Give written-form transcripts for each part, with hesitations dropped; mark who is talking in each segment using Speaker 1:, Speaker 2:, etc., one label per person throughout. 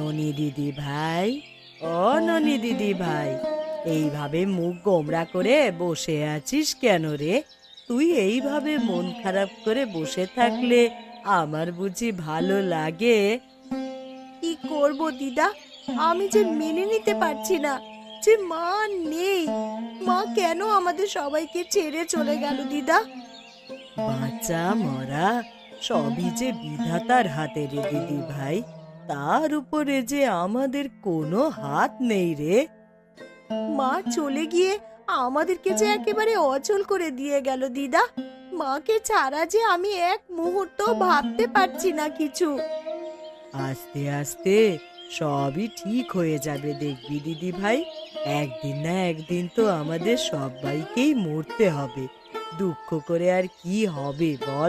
Speaker 1: ননি দিদি ভাই, ও ননি দিদি ভাই, এইভাবে মুখ গোমড়া করে বসে আছিস কেন রে? তুই এইভাবে মন খারাপ করে বসে থাকলে আমার বুঝি ভালো লাগে?
Speaker 2: কি করব দিদা, আমি যে মেনে নিতে পারছি না যে মা নেই। মা কেন আমাদের সবাইকে ছেড়ে চলে গেল দিদা?
Speaker 1: বাঁচা মরা সবই যে বিধাতার হাতে রে দিদি ভাই, তার উপরে যে আমাদের কোনো হাত নেই রে।
Speaker 2: মা চলে গিয়ে আমাদেরকে যে একেবারে অচল করে দিয়ে গেল দিদা। মাকে ছাড়া যে আমি এক মুহূর্ত ভাবতে পারছি না কিছু।
Speaker 1: আস্তে আস্তে সবই ঠিক হয়ে যাবে দেখবি দিদি ভাই। একদিন না একদিন তো আমাদের সবাইকেই মরতে হবে, দুঃখ করে আর কি হবে বল?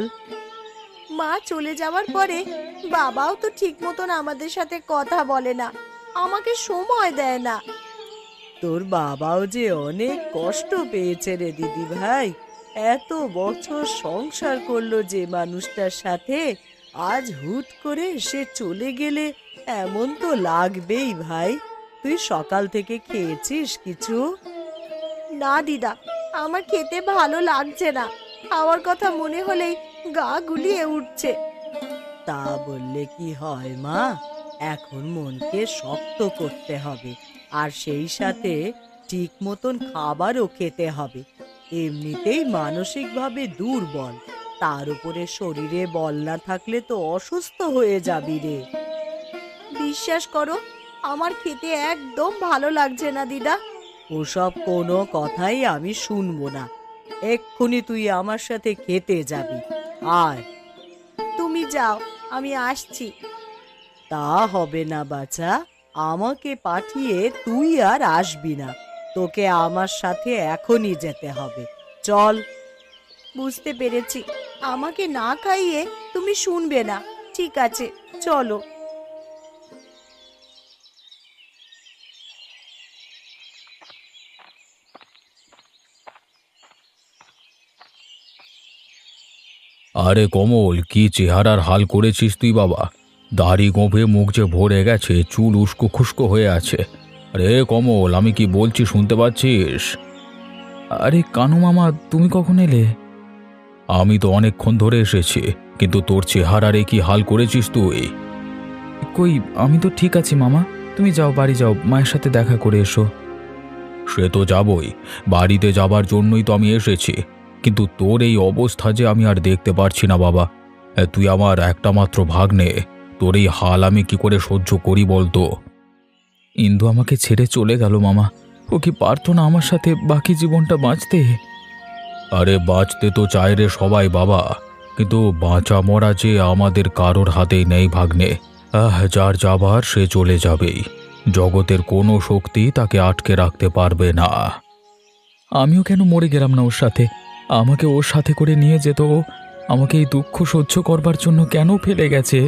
Speaker 2: মা চলে যাওয়ার পরে বাবাও তো ঠিক মতন আমাদের সাথে কথা বলে না, আমাকে সময় দেয় না।
Speaker 1: তোর বাবাও যে অনেক কষ্ট পেয়েছে রে দিদি ভাই। এত বছর সংসার করলো যে মানুষটার সাথে, আজ হুট করে সে চলে গেলে এমন তো লাগবেই ভাই। তুই সকাল থেকে খেয়েছিস কিছু?
Speaker 2: না দিদা, আমার খেতে ভালো লাগছে না। খাওয়ার কথা মনে হলেই গা গুলিয়ে উঠছে।
Speaker 1: তা বললে কি হয় মা? এখন মনকে শক্ত করতে হবে, আর সেই সাথে ঠিক মতন খাবারও খেতে হবে। এমনিতেই মানসিকভাবে দুর্বল, তার উপরে শরীরে বল না থাকলে তো অসুস্থ হয়ে যাবি রে।
Speaker 2: বিশ্বাস করো, আমার খেতে একদম ভালো লাগছে না দিদা।
Speaker 1: ওসব কোনো কথাই আমি শুনবো না। এক্ষুনি তুই আমার সাথে খেতে যাবি। আর
Speaker 2: তুমি যাও, আমি আসছি।
Speaker 1: তা হবে না বাছা, আমাকে পাঠিয়ে তুই আর আসবি না। তোকে আমার সাথে এখনই যেতে হবে, চল।
Speaker 2: বুঝতে পেরেছি, আমাকে না খাইয়ে তুমি শুনবে না। ঠিক আছে, চলো।
Speaker 3: আরে কমল, কি চেহারার হাল করেছিস তুই বাবা! দাড়ি গোঁফে মুখ যে ভরে গেছে, চুল উস্কো খুস্কো হয়ে আছে। আরে কমল, আমি কি বলছি শুনতে পাচ্ছিস? আরে কানু মামা, তুমি কখন এলে? আমি তো অনেকক্ষণ ধরে এসেছি, কিন্তু তোর চেহারারে কি হাল করেছিস তুই? কই, আমি তো ঠিক আছি মামা। তুমি যাও, বাড়ি যাও, মায়ের সাথে দেখা করে এসো। সে তো যাবই, বাড়িতে যাবার জন্যই তো আমি এসেছি। কিন্তু তোর এই অবস্থা যে আমি আর দেখতে পারছি না বাবা। তুই আমার একটা মাত্র ভাগ্নে, তোর এই হাল আমি কি করে সহ্য করি বলতো? ইন্দু আমাকে ছেড়ে চলে গেল মামা। ও কি পারতো না আমার সাথে বাকি জীবনটা বাঁচতে? আরে বাঁচতে তো চায় রে সবাই বাবা, কিন্তু বাঁচা মরা যে আমাদের কারোর হাতেই নেই ভাগ্নে। যার যাবার সে চলে যাবেই। জগতের কোনো শক্তি তাকে আটকে রাখতে পারবে না। আমিও কেন মরে গেলাম না ওর সাথে? আমাকে ওর সাথে করে নিয়ে যেত ও। আমাকে এই দুঃখ সহ্য করবার জন্য কেন ফেলে গেছে?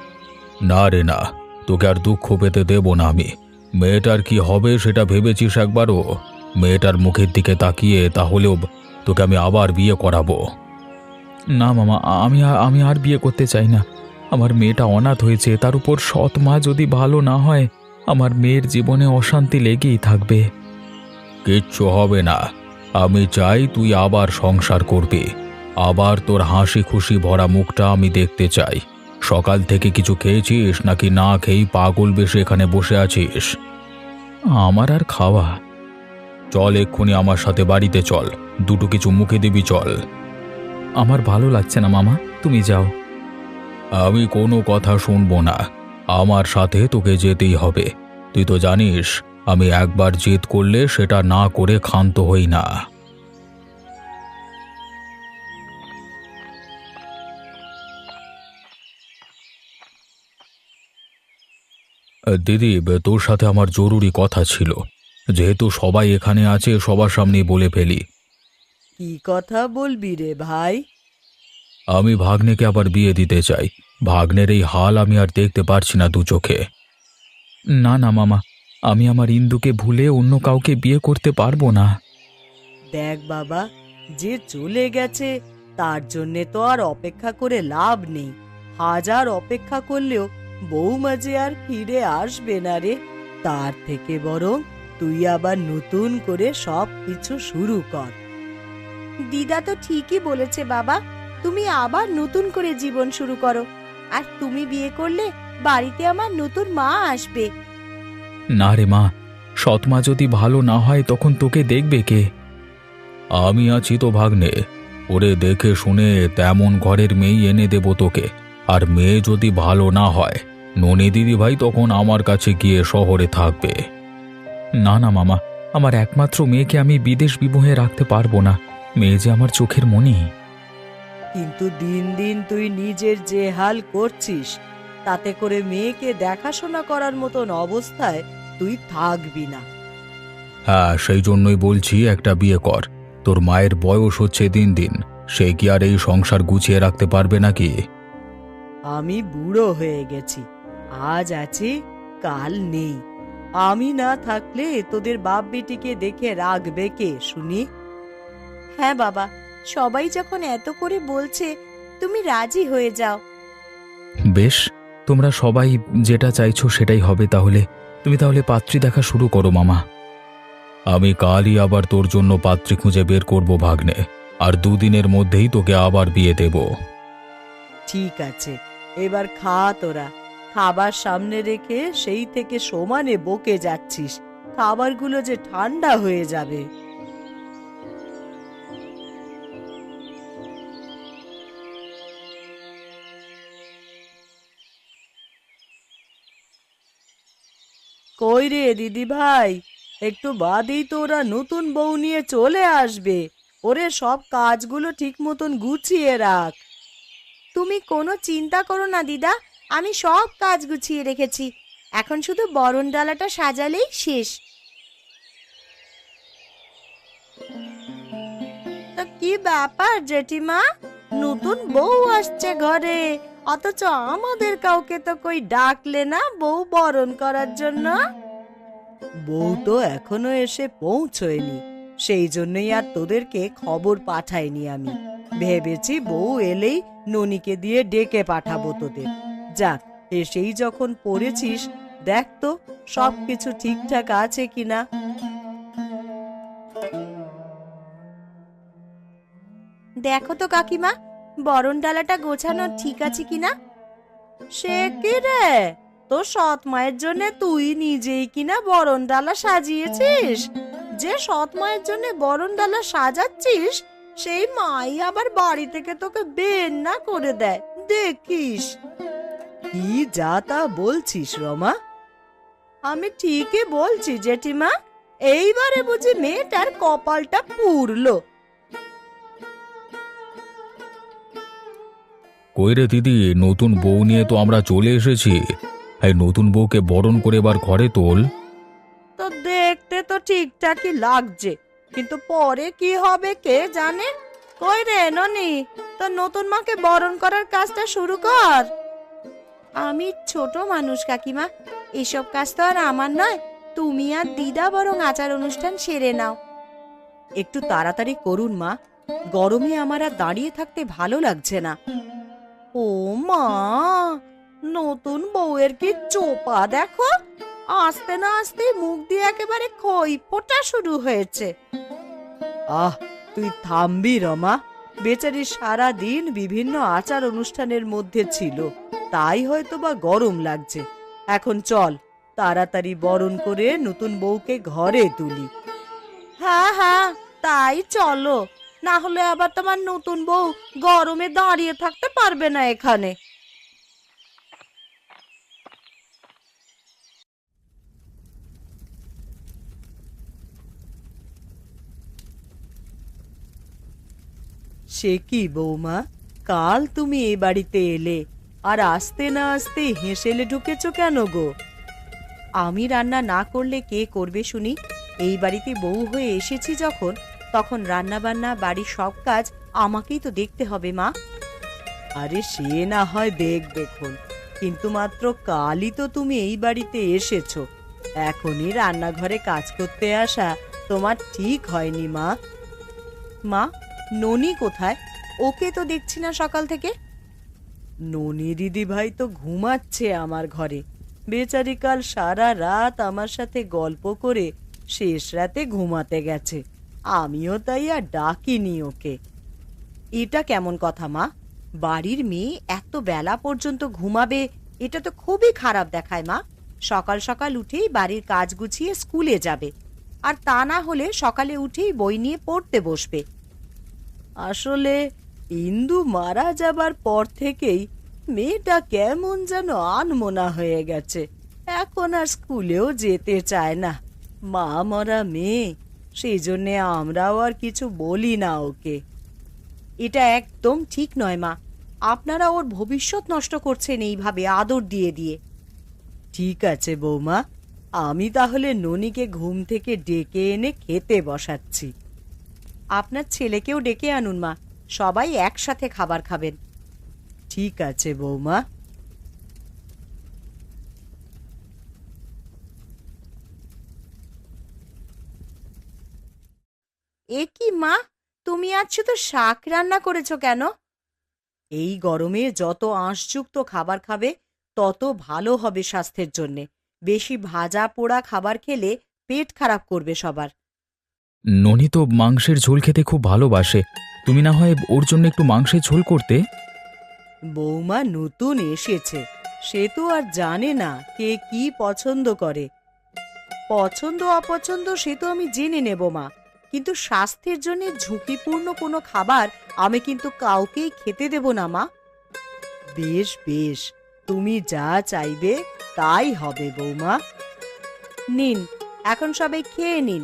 Speaker 3: না রে না, তোকে আর দুঃখ পেতে দেব না আমি। মেয়েটার কি হবে সেটা ভেবেছিস একবারও? মেয়েটার মুখের দিকে তাকিয়ে তাহলেও তোকে আমি আবার বিয়ে করাবো। না মামা, আমি আর বিয়ে করতে চাই না। আমার মেয়েটা অনাথ হয়েছে, তার উপর সৎ মা যদি ভালো না হয়, আমার মেয়ের জীবনে অশান্তি লেগেই থাকবে। কিচ্ছু হবে না, আমি চাই তুই আবার সংসার করবি। আবার তোর হাসি খুশি ভরা মুখটা আমি দেখতে চাই। সকাল থেকে কিছু খেয়েছিস নাকি না খেয়েই পাগল বেশে এখানে বসে আছিস? আমার আর খাওয়া। চল এক্ষুনি আমার সাথে বাড়িতে চল, দুটো কিছু মুখে দিবি চল। আমার ভালো লাগছে না মামা, তুমি যাও। আমি কোনো কথা শুনবো না, আমার সাথে তোকে যেতেই হবে। তুই তো জানিস আমি একবার জেদ করলে সেটা না করে ক্ষান্ত হই না। দিদি, তোর সাথে আমার জরুরি কথা ছিল। যেহেতু সবাই এখানে আছে, সবার সামনেই বলে ফেলি।
Speaker 1: কি কথা বলবি রে ভাই?
Speaker 3: আমি ভাগ্নেকে আবার বিয়ে দিতে চাই। ভাগ্নের এই হাল আমি আর দেখতে পারছি না দু চোখে। না না মামা, আমি আমার ইন্দুকে ভুলে অন্য কাউকে বিয়ে করতে পারবো না।
Speaker 1: দেখ বাবা, যে চলে গেছে তার জন্যে তো আর অপেক্ষা করে লাভ নেই। হাজার অপেক্ষা করলেও বৌমা যে আর ফিরে আসবে না রে, তার থেকে বরং তুই আবার নতুন করে সব কিছু শুরু কর।
Speaker 2: দিদা তো ঠিকই বলেছে বাবা, তুমি আবার নতুন করে জীবন শুরু করো। আর তুমি বিয়ে করলে বাড়িতে আমার নতুন মা আসবে।
Speaker 3: না রে মা, সৎ মা যদি ভালো না হয় তখন তোকে দেখবে কে? আমি আছি তো ভাগ্নে, ওরে দেখে শুনে তেমন ঘরের মেয়ে এনে দেব তোকে। আর মেয়ে যদি ভালো না হয়, ননি দিদি ভাই তখন আমার কাছে গিয়ে শহরে থাকবে। না না মামা, আমার একমাত্র মেয়েকে আমি বিদেশ বিভুঁয়ে রাখতে পারবো না। মেয়ে যে আমার চোখের মণি।
Speaker 1: কিন্তু দিন দিন তুই নিজের যে হাল করছিস, তাতে করে মেয়েকে দেখাশোনা করার মতন অবস্থায় তুই থাকবি না।
Speaker 3: হ্যাঁ, সেই জন্যই বলছি একটা বিয়ে কর। তোর মায়ের বয়স হচ্ছে দিন দিন, সে কি আর এই সংসার গুছিয়ে রাখতে পারবে নাকি?
Speaker 1: আমি বুড়ো হয়ে গেছি, আজ আছি কাল নেই। আমি না থাকলে তোদের বাপ বেটিকে দেখে রাখবে কে শুনি?
Speaker 2: হ্যাঁ বাবা, সবাই যখন এত করে বলছে, তুমি রাজি হয়ে যাও।
Speaker 3: বেশ, তোমরা সবাই যেটা চাইছো সেটাই হবে তাহলে। তুমি তাহলে পাত্রী দেখা শুরু করো মামা। আমি কালই আবার তোর জন্য পাত্রী খুঁজে বের করব ভাগ্নে, আর দুদিনের মধ্যেই তোকে আবার বিয়ে দেব।
Speaker 1: ঠিক আছে, এবার খা তোরা। খাবার সামনে রেখে সেই থেকে সমানে বকে যাচ্ছিস, খাবারগুলো যে ঠান্ডা হয়ে যাবে। কই রে দিদি ভাই, একটু বাদেই তো ওরা নতুন বউ নিয়ে চলে আসবে। ওরে সব কাজগুলো ঠিক মতন গুছিয়ে রাখ।
Speaker 2: তুমি কোনো চিন্তা করো না দিদা, আমি সব কাজ গুছিয়ে রেখেছি। এখন শুধু বরণ ডালাটা সাজালেই শেষ। তা কি ব্যাপার জেঠিমা, নতুন বউ আসছে ঘরে, অথচ আমাদের কাউকে তো কই ডাকলে না বউ বরণ করার জন্য?
Speaker 1: বউ তো এখনো এসে পৌঁছয়নি, সেই জন্যই আর তোদেরকে খবর পাঠাইনি আমি। ভেবেছি বউ এলেই ননিকে দিয়ে ডেকে পাঠাবো তোদের। যাক, এসেই যখন পড়েছিস, দেখ তো সবকিছু ঠিকঠাক আছে কিনা।
Speaker 2: দেখো তো কাকিমা, বরণ ডালাটা গোছানো ঠিক আছে কিনা?
Speaker 1: সে কি রে, তোর সৎ মায়ের জন্য তুই নিজেই কিনা বরণ ডালা সাজিয়েছিস? যে সৎ মায়ের জন্য বরণ ডালা সাজাচ্ছিস, সেই মাই আবার বাড়ি থেকে তোকে বের না করে দেয়, দেখিস। কি যা তা বলছিস রমা? আমি ঠিকই বলছি জেঠিমা, এইবারে বুঝি মেয়েটার কপালটা পুড়লো।
Speaker 3: কই রে দিদি, নতুন বউ নিয়ে তো আমরা চলে এসেছি। এই নতুন বউকে বরণ করে এবার ঘরে তোল।
Speaker 1: তো দেখতে তো ঠিকঠাকই লাগছে, কিন্তু পরে কি হবে কে জানে। কই রে ননি, তো নতুন মাকে বরণ করার কাজটা শুরু কর।
Speaker 2: আমি ছোট মানুষ কাকিমা, এসব কাজ তো আর আমার নয়। তুমি আর দিদা বরং আচার অনুষ্ঠান সেরে নাও।
Speaker 1: একটু তাড়াতাড়ি করুন মা, গরমে আমার আর দাঁড়িয়ে থাকতে ভালো লাগছে না। ও মা, নতুন বউয়ের কি চোপা দেখো, আস্তে না আস্তে মুখ দিয়ে একেবারে খই ফোটা শুরু হয়েছে। আহ, তুই থামবি রমা, বেচারি সারা দিন বিভিন্ন আচার অনুষ্ঠানের মধ্যে ছিল, তাই হয়তো বা গরম লাগছে। এখন চল তাড়াতাড়ি বরণ করে নতুন বউকে ঘরে তুলি। হ্যাঁ হ্যাঁ, তাই চলো, না হলে আবার তোমার নতুন বউ গরমে দাঁড়িয়ে থাকতে পারবে না এখানে। সে কি বৌমা, কাল তুমি এই বাড়িতে এলে, আর আসতে না আসতে হেসেলে ঢুকেছো কেন গো?
Speaker 2: আমি রান্না না করলে কে করবে শুনি? এই বাড়িতে বউ হয়ে এসেছি যখন, তখন রান্না বান্না বাড়ির সব কাজ আমাকেই তো দেখতে হবে মা।
Speaker 1: আরে সে না হয় দেখুন, কিন্তু মাত্র কালই তো তুমি এই বাড়িতে এসেছো, এখনই রান্নাঘরে কাজ করতে আসা তোমার ঠিক হয়নি মা।
Speaker 2: মা, ননি কোথায়? ওকে তো দেখছি না সকাল থেকে।
Speaker 1: ননি দিদি ভাই তো ঘুমাচ্ছে আমার ঘরে। বেচারি কাল সারা রাত আমার সাথে গল্প করে শেষ রাতে ঘুমাতে গেছে। আমিও তাই আর ডাকিনি ওকে। এটা কেমন কথা মা? বাড়ির মেয়ে এত বেলা পর্যন্ত ঘুমাবে, এটা তো খুবই খারাপ দেখায় মা। সকাল সকাল উঠেই বাড়ির কাজ গুছিয়ে স্কুলে যাবে, আর তা না হলে সকালে উঠেই বই নিয়ে পড়তে বসবে। আসলে ইন্দু মারা যাবার পর থেকেই মেয়েটা কেমন যেন আনমনা হয়ে গেছে। এখন আর স্কুলেও যেতে চায় না। মা মরা মেয়ে, সেই জন্যে আমরাও আর কিছু বলি না ওকে। এটা একদম ঠিক নয় মা। আপনারা ওর ভবিষ্যৎ নষ্ট করছেন এইভাবে আদর দিয়ে দিয়ে। ঠিক আছে বৌমা, আমি তাহলে ননিকে ঘুম থেকে ডেকে এনে খেতে বসাচ্ছি। আপনার ছেলেকেও ডেকে আনুন মা, সবাই একসাথে খাবার খাবেন। ঠিক আছে বৌমা।
Speaker 2: এ কি মা, তুমি আজ শুধু শাক রান্না করেছো কেন?
Speaker 1: এই গরমে যত আঁশযুক্ত খাবার খাবে তত ভালো হবে স্বাস্থ্যের জন্যে। বেশি ভাজা পোড়া খাবার খেলে পেট খারাপ করবে সবার।
Speaker 3: ননি তো মাংসের ঝোল খেতে খুব ভালোবাসে, তুমি না হয় ওর জন্য একটু মাংসের ঝোল করতে।
Speaker 1: বৌমা নতুন এসেছে, সে তো আর জানে না কে কি পছন্দ করে। পছন্দ অপছন্দ সে তো আমি জেনে নেব মা, কিন্তু স্বাস্থ্যের জন্য ঝুঁকিপূর্ণ কোনো খাবার আমি কিন্তু কাউকেই খেতে দেব না মা। বেশ বেশ, তুমি যা চাইবে তাই হবে বৌমা। নিন, এখন সবাই খেয়ে নিন।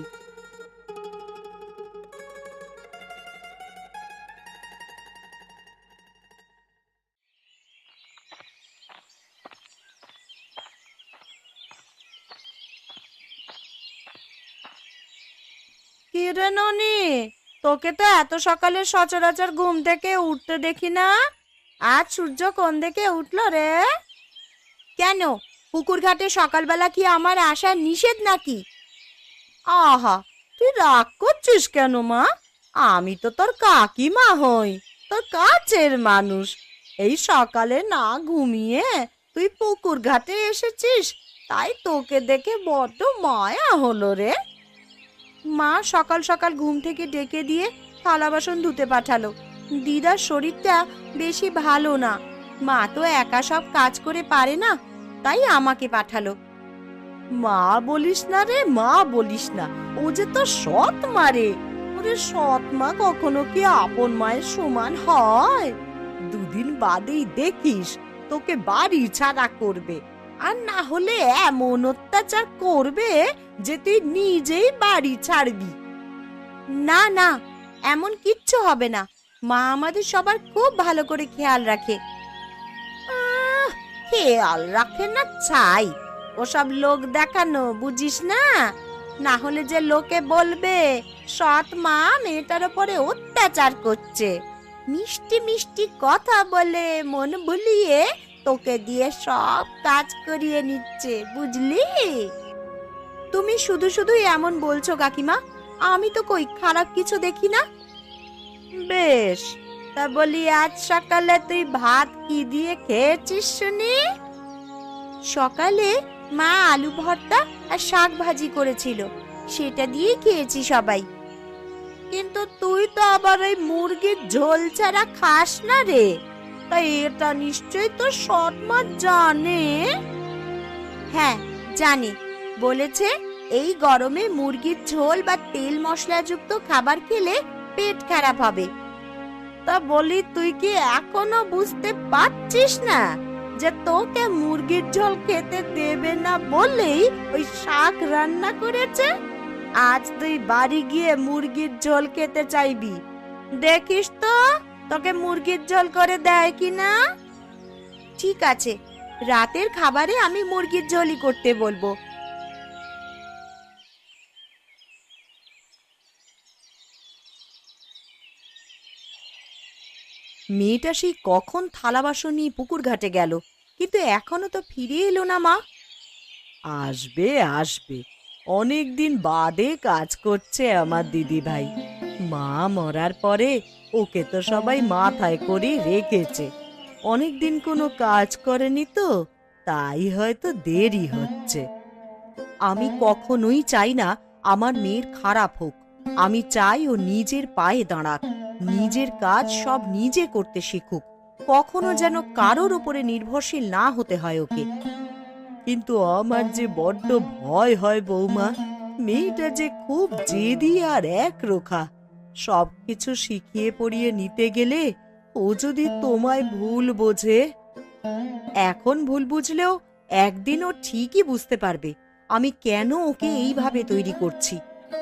Speaker 2: কি রে ননি, তোকে তো এত সকালে সচরাচর ঘুম থেকে উঠতে দেখি না। আজ সূর্য কোন দিকে উঠলো রে? কেন, পুকুর ঘাটে সকালবেলা কি আমার আসা নিষেধ নাকি? আহা, তুই রাগ করছিস কেন মা? আমি তো তোর কাকিমা হই, তোর কাছের মানুষ। এই সকালে না ঘুমিয়ে তুই পুকুর ঘাটে এসেছিস, তাই তোকে দেখে বড্ড মায়া হলো রে। মা সকাল সকাল ঘুম থেকে ডেকে দিয়ে থালা বাসন ধুতে পাঠালো। দিদার শরীরটা বেশি ভালো না, মা তো একা সব কাজ করে পারে না, তাই আমাকে পাঠালো।
Speaker 1: মা বলিস না রে, মা বলিস না। ও যে তো সৎ মা রে। ওরে সৎ মা কখনো কি আপন মায়ের সমান হয়? দুদিন বাদেই দেখিস তোকে বাড়ি ছাড়া করবে, আর না হলে এমন অত্যাচার করবে যে তুই নিজেই বাড়ি ছাড়বি।
Speaker 2: না না, এমন কিচ্ছু হবে না। মা আমাদের সবার খুব ভালো করে খেয়াল রাখে। খেয়াল রাখে না চাই, ওসব লোক দেখানো, বুঝিস না? না হলে যে লোকে বলবে সৎ মা মেয়েটার উপরে অত্যাচার করছে। মিষ্টি মিষ্টি কথা বলে মন ভুলিয়ে তোকে দিয়ে সব কাজ করিয়ে নিচ্ছে, বুঝলি? তুমি শুধু শুধু এমন বলছো কাকিমা, আমি তো কই খারাপ কিছু দেখি না। বেশ, তা বলি আজ সকালে তুই ভাত কি দিয়ে খেয়েছিস শুনি? সকালে মা আলু ভর্তা আর শাক ভাজি করেছিল, সেটা দিয়ে খেয়েছি সবাই। কিন্তু তুই তো আবার ওই মুরগির ঝোল ছাড়া খাস না রে, তাই এটা নিশ্চয়ই তো সৎ মা জানে। হ্যাঁ জানি, বলেছে এই গরমে মুরগির ঝোল বা তেল মশলাযুক্ত খাবার খেলে পেট খারাপ হবে। তা বলি তুই কি এখনো বুঝতে পারছিস না যে তোকে মুরগির ঝোল খেতে দেবে না বলেই ওই শাক রান্না করেছে? আজ তুই বাড়ি গিয়ে মুরগির ঝোল খেতে চাইবি, দেখিস তো তোকে মুরগির ঝোল করে দেয় কিনা। ঠিক আছে, রাতের খাবারে আমি মুরগির ঝোলই করতে বলবো।
Speaker 1: মেয়েটা সেই কখন থালা বাসন নিয়ে পুকুর ঘাটে গেল, কিন্তু এখনো তো ফিরে এলো না মা। আসবে আসবে, অনেক দিন বাদে কাজ করছে আমার দিদি ভাই। মা মরার পরে ওকে তো সবাই মাথায় করে রেখেছে, অনেকদিন কোনো কাজ করেনি তো, তাই হয়তো দেরি হচ্ছে। আমি কখনোই চাই না আমার মেয়ের খারাপ হোক। আমি চাই ও নিজের পায়ে দাঁড়াক, নিজের কাজ সব নিজে করতে শিখুক, কখনো যেন কারোর উপরে নির্ভরশীল না হতে হয় ওকে। কিন্তু আমার যে বড্ড ভয় হয় বৌমা, মেয়েটা যে খুব জেদি আর একরোখা। সবকিছু শিখিয়ে পড়িয়ে নিতে গেলে ও যদি তোমায় ভুল বোঝে। এখন ভুল বুঝলেও একদিন ও ঠিকই বুঝতে পারবে আমি কেন ওকে এইভাবে তৈরি করছি।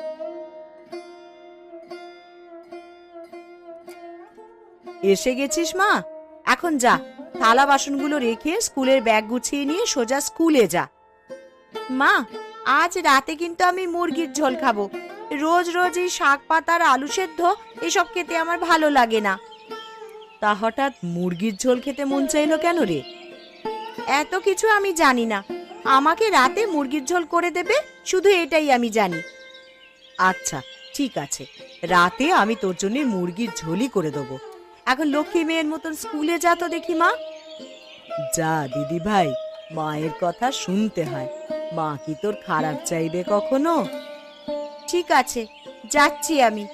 Speaker 1: এসে গেছিস মা? এখন যা, থালা বাসনগুলো রেখে স্কুলের ব্যাগ গুছিয়ে নিয়ে সোজা স্কুলে যা।
Speaker 2: মা, আজ রাতে কিন্তু আমি মুরগির ঝোল খাবো। রোজ রোজ এই শাক পাতার আলু সেদ্ধ এসব খেতে আমার ভালো লাগে না।
Speaker 1: তা হঠাৎ মুরগির ঝোল খেতে মন চাইলো কেন রে?
Speaker 2: এত কিছু আমি জানি না। আমাকে রাতে মুরগির ঝোল করে দেবে, শুধু এটাই আমি জানি।
Speaker 1: আচ্ছা ঠিক আছে, রাতে আমি তোর জন্য মুরগির ঝোলই করে দেবো।
Speaker 2: এখন লক্ষ্মী মেয়ের মতন স্কুলে যা তো দেখি মা।
Speaker 1: যা দিদি ভাই, মায়ের কথা শুনতে হয়। মা কি তোর খারাপ চাইবে কখনো?
Speaker 2: ঠিক আছে, যাচ্ছি আমি।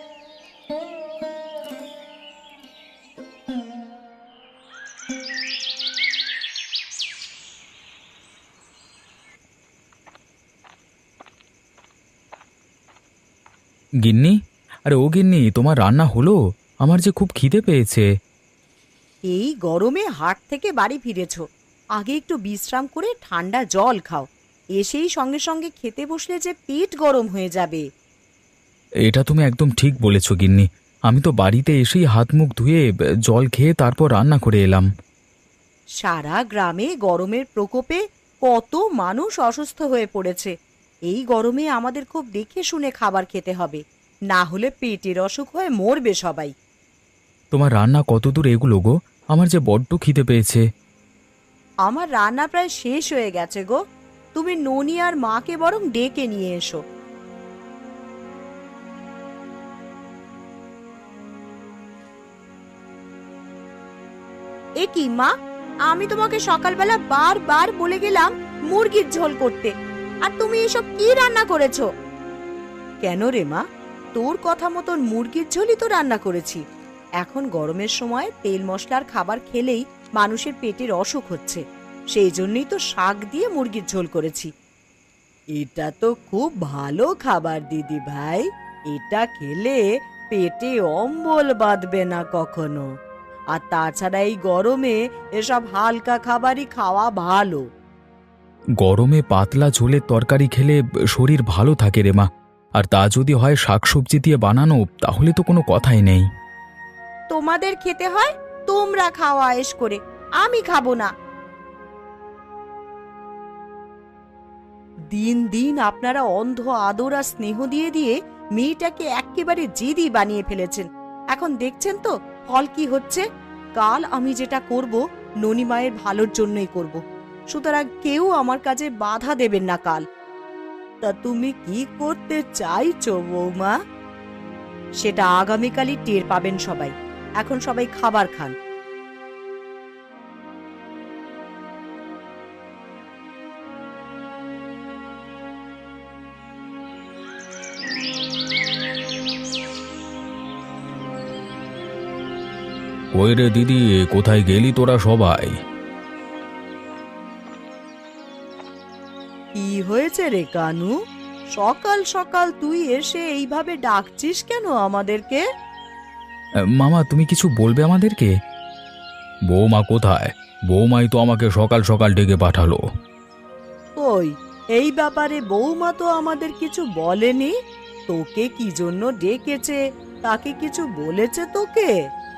Speaker 3: গিন্নি, আরে ও গিন্নি, তোমার রান্না হলো? আমার যে খুব খিদে পেয়েছে।
Speaker 1: এই গরমে হাট থেকে বাড়ি ফিরেছো, আগে একটু বিশ্রাম করে ঠান্ডা জল খাও। এসেই সঙ্গে সঙ্গে খেতে বসলে যে পেট গরম হয়ে যাবে।
Speaker 3: এটা তুমি একদম ঠিক বলেছ গিন্নি। আমি তো বাড়িতে এসেই হাত মুখ ধুয়ে জল খেয়ে তারপর রান্না করে এলাম।
Speaker 1: সারা গ্রামে গরমের প্রকোপে কত মানুষ অসুস্থ হয়ে পড়েছে। এই গরমে আমাদের খুব দেখে শুনে খাবার খেতে হবে, না হলে পেটের অসুখ হয়ে মরবে সবাই।
Speaker 3: তোমার রান্না কতদূর এগুলো গো? আমার যে বড্ড খিদে পেয়েছে।
Speaker 1: আমার রান্না প্রায় শেষ হয়ে গেছে গো। তুমি ননি আর মাকে বরং ডেকে নিয়ে এসো।
Speaker 2: এ কি মা, আমি তোমাকে সকালবেলা বারবার বলে গেলাম মুরগির ঝোল করতে, আর তুমি এসব কি রান্না করেছো?
Speaker 1: কেন রে মা, তোর কথা মতন মুরগির ঝোলই তো রান্না করেছি। এখন গরমের সময় তেল মশলার খাবার খেলেই মানুষের পেটের অসুখ হচ্ছে, সেই জন্যই তো শাক দিয়ে মুরগির ঝোল করেছি। এটা তো খুব ভালো খাবার দিদি ভাই, এটা খেলে পেটে অম্বল বাঁধবে না কখনো। আর তাছাড়া এই গরমে এসব হালকা খাবারই খাওয়া ভালো।
Speaker 3: গরমে পাতলা ঝোলের তরকারি খেলে শরীর ভালো থাকে রে মা। আর তা যদি হয় শাকসবজি দিয়ে বানানো, তাহলে তো কোনো কথাই নেই।
Speaker 2: তোমাদের খেতে হয়, তোমরা খাওয়া আয়েশ করে, আমি খাবো না।
Speaker 1: দিন দিন আপনারা অন্ধ আদর আর স্নেহ দিয়ে দিয়ে মেয়েটাকে একেবারে জেদি বানিয়ে ফেলেছেন। এখন দেখছেন তো ফল কি হচ্ছে। কাল আমি যেটা করব ননি মায়ের ভালোর জন্যই করব, সুতরাং কেউ আমার কাজে বাধা দেবেন না কাল। তা তুমি কি করতে চাইছো বৌমা? সেটা আগামীকালই টের পাবেন সবাই। এখন সবাই খাবার খান।
Speaker 3: ওই রে দিদি, কোথায় গেলি তোরা সবাই?
Speaker 1: কি হয়েছে রে কানু? সকাল সকাল তুই এসে এইভাবে ডাকছিস কেন আমাদেরকে?
Speaker 3: মামা, তুমি কিছু বলবে আমাদেরকে? বৌমা কোথায়? বৌমাই তো আমাকে সকাল সকাল ডেকে পাঠালো।
Speaker 1: কই, এই ব্যাপারে বৌমা তো আমাদের কিছু বলেনি। তোকে কি জন্য ডেকেছে, তাকে কিছু বলেছে তোকে?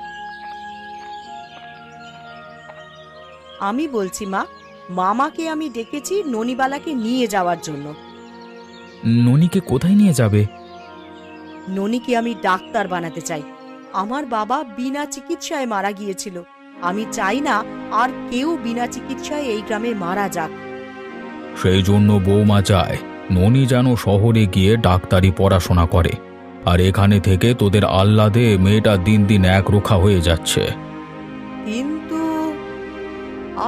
Speaker 1: আমি বলছি মা, মামাকে আমি ডেকেছি ননিবালাকে নিয়ে যাওয়ার জন্য।
Speaker 3: ননিকে কোথায় নিয়ে যাবে?
Speaker 1: ননিকে আমি ডাক্তার বানাতে চাই। আমার বাবা বিনা চিকিৎসায় মারা গিয়েছিল। আমি চাই না আর কেউ বিনা চিকিৎসায় এই গ্রামে মারা যাক।
Speaker 3: সেই জন্য বৌমা চায় ননি যেন শহরে গিয়ে ডাক্তারি পড়াশোনা করে, আর এখানে থেকে তোদের আহ্লাদে মেয়েটা দিন দিন একরোখা হয়ে যাচ্ছে।
Speaker 1: কিন্তু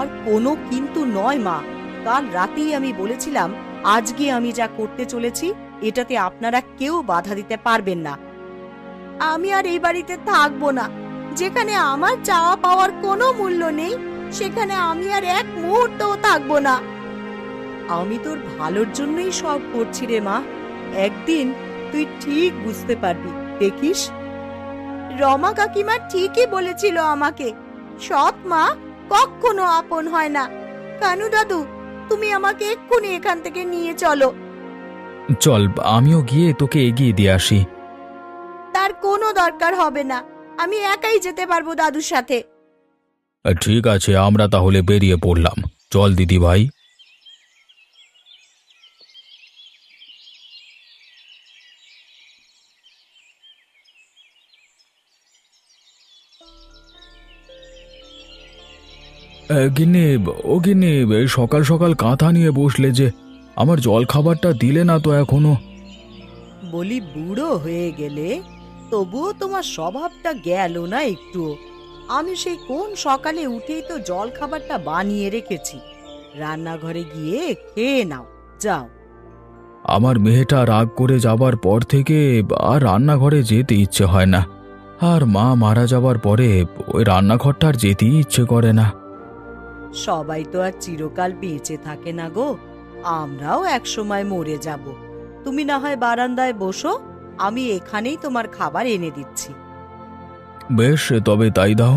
Speaker 1: আর কোনো কিন্তু নয় মা। কাল রাতেই আমি বলেছিলাম আজকে আমি যা করতে চলেছি এটাতে আপনারা কেউ বাধা দিতে পারবেন না।
Speaker 2: আমি আর এই বাড়িতে থাকবো না। যেখানে আমার চাওয়া পাওয়ার কোনো মূল্য নেই সেখানে আমি আর এক মুহূর্তও থাকবো না।
Speaker 1: আমি তোর ভালোর জন্যই সব করছি রে মা। একদিন তুই ঠিক বুঝতে পারবি, দেখিস।
Speaker 2: রমা কাকিমা ঠিকই বলেছিল আমাকে, সৎ মা কখনো আপন হয় না। কানু দাদু, তুমি আমাকে এক্ষুনি এখান থেকে নিয়ে চলো।
Speaker 3: চল, আমিও গিয়ে তোকে এগিয়ে দিয়ে আসি।
Speaker 2: তার কোনো দরকার হবে না, আমি একাই যেতে পারবো দাদুর সাথে।
Speaker 3: ঠিক আছে, আমরা তাহলে বেরিয়ে পড়লাম। চল দিদি ভাই। গিন্নি, ও গিন্নি, সকাল সকাল কাঁথা নিয়ে বসলে যে, আমার জল খাবারটা দিলে না তো এখনো।
Speaker 1: বলি বুড়ো হয়ে গেলে তবুও তোমার স্বভাবটা গেল না একটু। আমি সেই কোন সকালে উঠেই তো জল খাবারটা বানিয়ে রেখেছি, রান্নাঘরে গিয়ে খেয়ে নাও, যাও।
Speaker 3: আমার মেয়েটা রাগ করে যাবার পর থেকে আর রান্নাঘরে যেতে ইচ্ছে হয় না। আর মা মারা যাবার পরে ওই রান্নাঘরটা আর যেতেই ইচ্ছে করে না।
Speaker 1: সবাই তো আর চিরকাল বেঁচে থাকে না গো, আমরাও একসময় মরে যাব। তুমি না হয় বারান্দায় বসো, আমি এখানেই তোমার খাবার এনে দিচ্ছি।
Speaker 3: বেশ, তবে তাই দাও।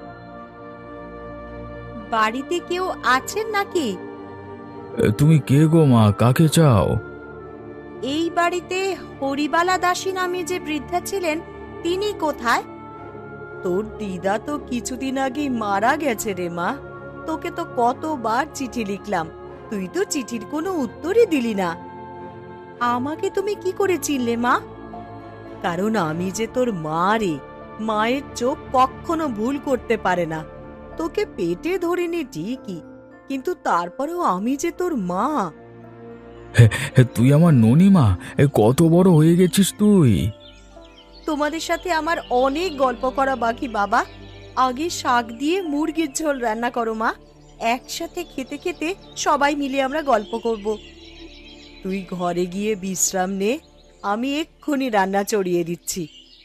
Speaker 2: বাড়িতে কেউ আছেন নাকি?
Speaker 3: তুমি কে গো মা, কাকে চাও?
Speaker 2: এই বাড়িতে হরিবালা দাসী নামে যে বৃদ্ধা ছিলেন তিনি কোথায়?
Speaker 1: তোর দিদা তো কিছুদিন আগে মারা গেছে রে মা। তোকে তো কতবার চিঠি লিখলাম, তুই তো চিঠির কোনো উত্তরই দিলি না। আমাকে তুমি কি করে চিনলে মা? কারণ আমি যে তোর মা রে, মায়ের চোখ কখনো ভুল করতে পারে না। তোকে পেটে ধরিনি ঠিকই, কিন্তু তারপরেও আমি যে তোর মা।
Speaker 3: তুই আমার ননিমা? কত বড় হয়ে গেছিস তুই!
Speaker 1: তোমাদের সাথে আমার অনেক গল্প করা বাকি বাবা। আগে শাক দিয়ে মুরগির ঝোল রান্না করো মা, একসাথে খেতে খেতে সবাই মিলে আমরা গল্প করব। তুই ঘরে গিয়ে বিশ্রাম নে, আমি এক্ষুনি রান্না চড়িয়ে দিচ্ছি।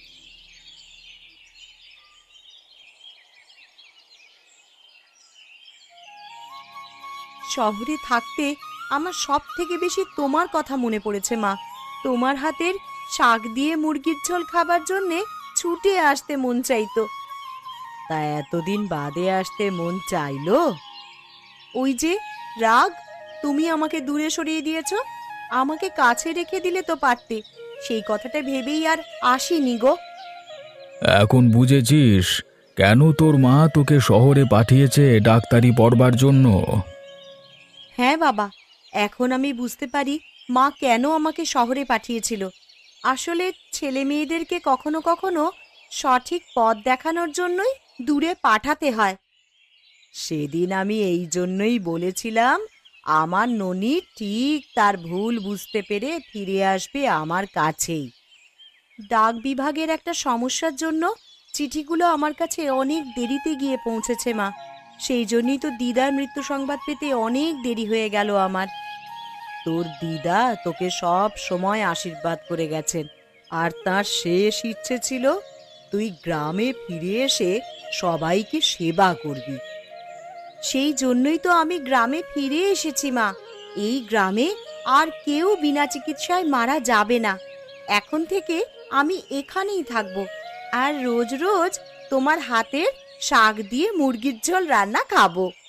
Speaker 1: শহরে থাকতে আমার সব থেকে বেশি তোমার কথা মনে পড়েছে মা। তোমার হাতের শাক দিয়ে মুরগির ঝোল খাবার জন্যে ছুটে আসতে মন চাইতো। তা এতদিন বাদে আসতে মন চাইলো? ওই যে রাগ, তুমি আমাকে দূরে সরিয়ে দিয়েছ, আমাকে কাছে রেখে দিলে তো পারতে। সেই কথাটা ভেবেই আর আসিনি গো।
Speaker 3: এখন বুঝেছিস কেন তোর মা তোকে শহরে পাঠিয়েছে ডাক্তারি পড়বার জন্য?
Speaker 1: হ্যাঁ বাবা, এখন আমি বুঝতে পারি মা কেন আমাকে শহরে পাঠিয়েছিল। আসলে ছেলে মেয়েদেরকে কখনো কখনো সঠিক পথ দেখানোর জন্যই দূরে পাঠাতে হয়। সেদিন আমি এই জন্যই বলেছিলাম আমার ননি ঠিক তার ভুল বুঝতে পেরে ফিরে আসবে আমার কাছেই। ডাক বিভাগের একটা সমস্যার জন্য চিঠিগুলো আমার কাছে অনেক দেরিতে গিয়ে পৌঁছেছে মা। সেই জন্যই তো দিদার মৃত্যু সংবাদ পেতে অনেক দেরি হয়ে গেল আমার। তোর দিদা তোকে সব সময় আশীর্বাদ করে গেছেন, আর তার শেষ ইচ্ছে ছিল তুই গ্রামে ফিরে এসে সবাইকে সেবা করবি। সেই জন্যই তো আমি গ্রামে ফিরে এসেছি মা। এই গ্রামে আর কেউ বিনা চিকিৎসায় মারা যাবে না। এখন থেকে আমি এখানেই থাকবো, আর রোজ রোজ তোমার হাতের শাক দিয়ে মুরগির ঝোল রান্না খাবো।